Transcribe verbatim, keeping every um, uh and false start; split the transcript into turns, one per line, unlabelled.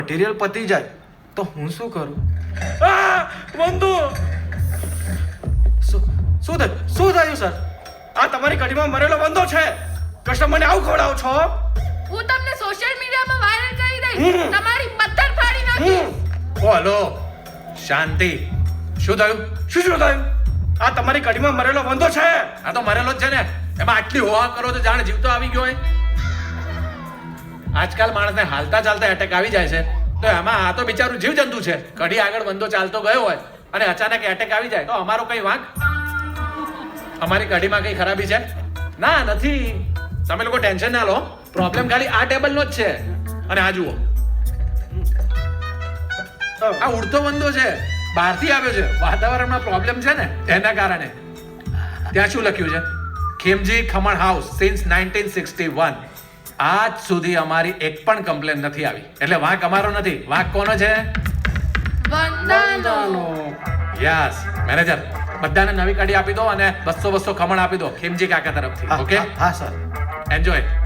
Material પતી જાય તો હું શું કરું? આ બંધુ શું શું થયું શું થયું સર? આ તમારી કઢીમાં મરેલો બંધો છે. કસ્ટમરને આવું ખવડાવો છો?
હું તમને સોશિયલ મીડિયામાં વાયરલ કરી દઈશ. તમારી પથ્થર ફાડી નાખીશ.
ઓ હલો, શાંતિ. શું થયું?
શું શું થયું? આ તમારી કઢીમાં મરેલો બંધો છે.
આ તો મરેલો જ છે ને, એમાં આટલી હોવા કરો તો જાણે જીવતો આવી ગયો હોય. આજકાલ માણસને હાલતા ચાલતા એટેક આવી જાય છે, તો એમાં આ તો બિચારું જીવ જંતુ છે. કઢી આગળ બંધો ચાલતો ગયો હોય અને અચાનક એટેક આવી જાય તો અમારો કઈ વાંક? અમારી કઢીમાં કઈ ખરાબી છે? ના, નથી. તમે લોકો ટેન્શન ના લો, પ્રોબ્લેમ ખાલી આ ટેબલનો જ છે. અને આ જુઓ, આ ઉડતો બંધો છે, બહારથી આવ્યો છે. વાતાવરણમાં પ્રોબ્લેમ છે ને એના કારણે. ત્યાં શું લખ્યું છે? Khemji khaman house since nineteen sixty one. આજ સુધી અમારી એક પણ કમ્પ્લેન નથી આવી. એટલે વાંક અમારો નથી, વાંક કોનો છે?
વંદાનો.
યસ મેનેજર, બધાને નવી કઢી આપી દો અને બસો બસો ખમણ આપી દો ખેમજી કાકા તરફથી. ઓકે,
હા સર.
એન્જોય.